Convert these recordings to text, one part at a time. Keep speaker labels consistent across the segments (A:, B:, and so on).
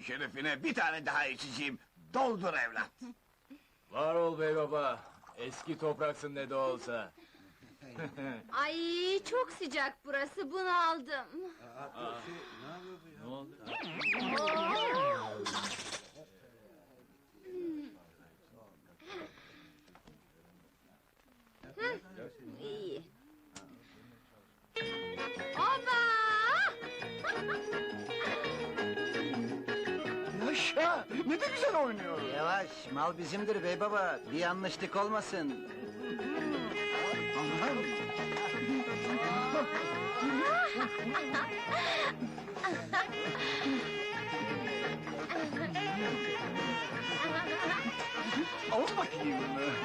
A: şerefine bir tane daha içeceğim. Doldur evlat.
B: Var ol bey baba. Eski topraksın ne de olsa.
C: Ay çok sıcak burası, bunu aldım.
B: Ne oldu?
C: İyi. Oba!
A: Yaşa, ne de güzel oynuyor.
D: Yavaş, mal bizimdir bey baba. Bir yanlışlık olmasın.
A: Aman. Al bakayım.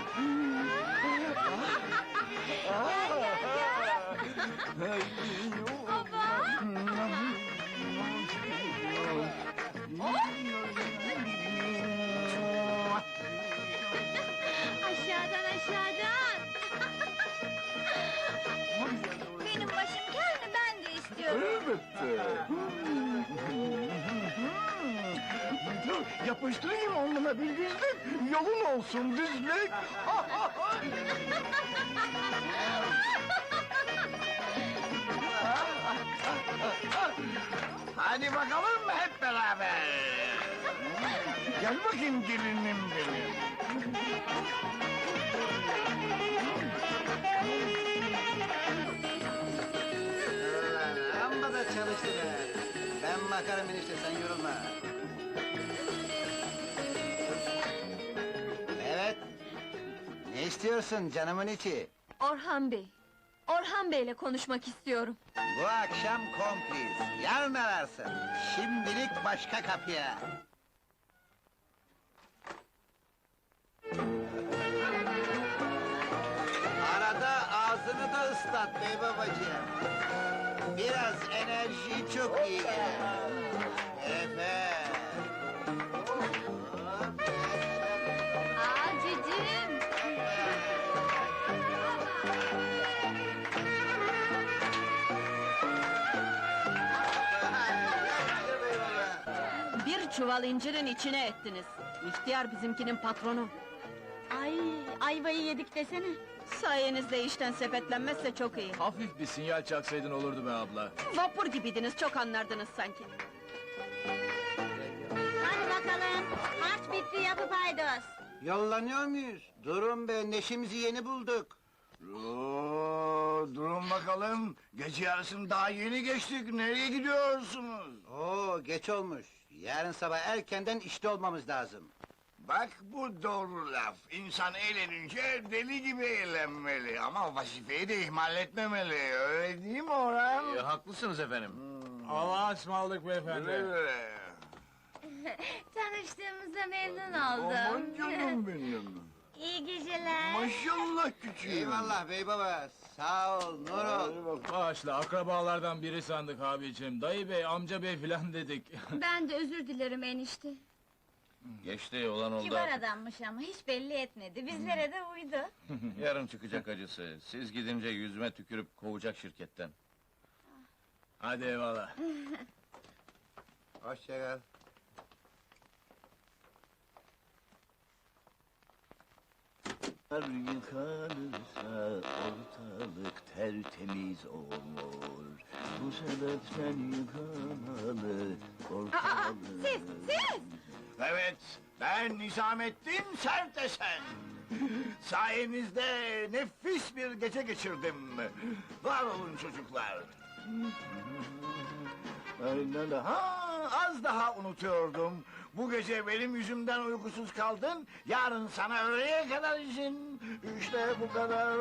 C: Aşağıdan aşağıdan! Benim başım kel mi? Ben de istiyorum.
A: Elbette. Yapıştırayım alnına bir düzlük, yolun olsun düzlük. Hadi bakalım hep beraber. Gel bakayım gelinim benim.
D: Amma da çalıştı be. Ben bakarım enişte, sen yorulma. Evet. Ne istiyorsun canımın içi?
C: Orhan Bey. Orhan Bey'le konuşmak istiyorum.
D: Bu akşam kompliz. Yarın ararsın. Şimdilik başka kapıya. Arada ağzını da ıslat bey babacığım. Biraz enerji çok iyi gelir. Evet.
C: Aa cicim!
E: Bir çuval incirin içine ettiniz. İhtiyar bizimkinin patronu.
C: Ay, ayvayı yedik desene.
E: Sayenizde işten sepetlenmezse çok iyi.
B: Hafif bir sinyal çaksaydın olurdu be abla.
E: Vapur gibiydiniz, çok anlardınız sanki.
C: Hadi bakalım, maç bitti yapıp haydos.
D: Yollanıyor muyuz? Durun be, neşemizi yeni bulduk.
A: Durun bakalım, gece yarısını daha yeni geçtik, nereye gidiyorsunuz?
D: Oo, geç olmuş. Yarın sabah erkenden işte olmamız lazım.
A: Bak bu doğru laf, insan eğlenince deli gibi eğlenmeli, ama vazifeyi de ihmal etmemeli, öyle değil mi Orhan?
B: Haklısınız efendim. Allah'a ısmarladık beyefendi.
A: Öyle.
C: Tanıştığımıza memnun
A: Aman
C: oldum.
A: canım benim.
C: İyi geceler.
A: Maşallah küçüğüm.
D: Eyvallah bey baba, sağ ol, nur ol.
B: Bağışla, akrabalardan biri sandık abicim. Dayı bey, amca bey filan dedik.
C: Ben de özür dilerim enişte.
F: Geçti olan oldu.
C: Kibar adammış ama hiç belli etmedi. Bizlere de uydu.
F: Yarın çıkacak acısı. Siz gidince yüzüme tükürüp kovacak şirketten.
B: Hadi eyvallah.
D: Hoşça kal.
G: Yıkanırsa ortalık tertemiz olur. Bu sebepten yıkanalı ortalık...
C: Siz!
A: Evet, ben Nizamettin Sertesen. Sayenizde nefis bir gece geçirdim. Var olun çocuklar.
G: Aynen öyle.
A: Az daha unutuyordum. Bu gece benim yüzümden uykusuz kaldın. Yarın sana öğleye kadar izin. İşte bu kadar.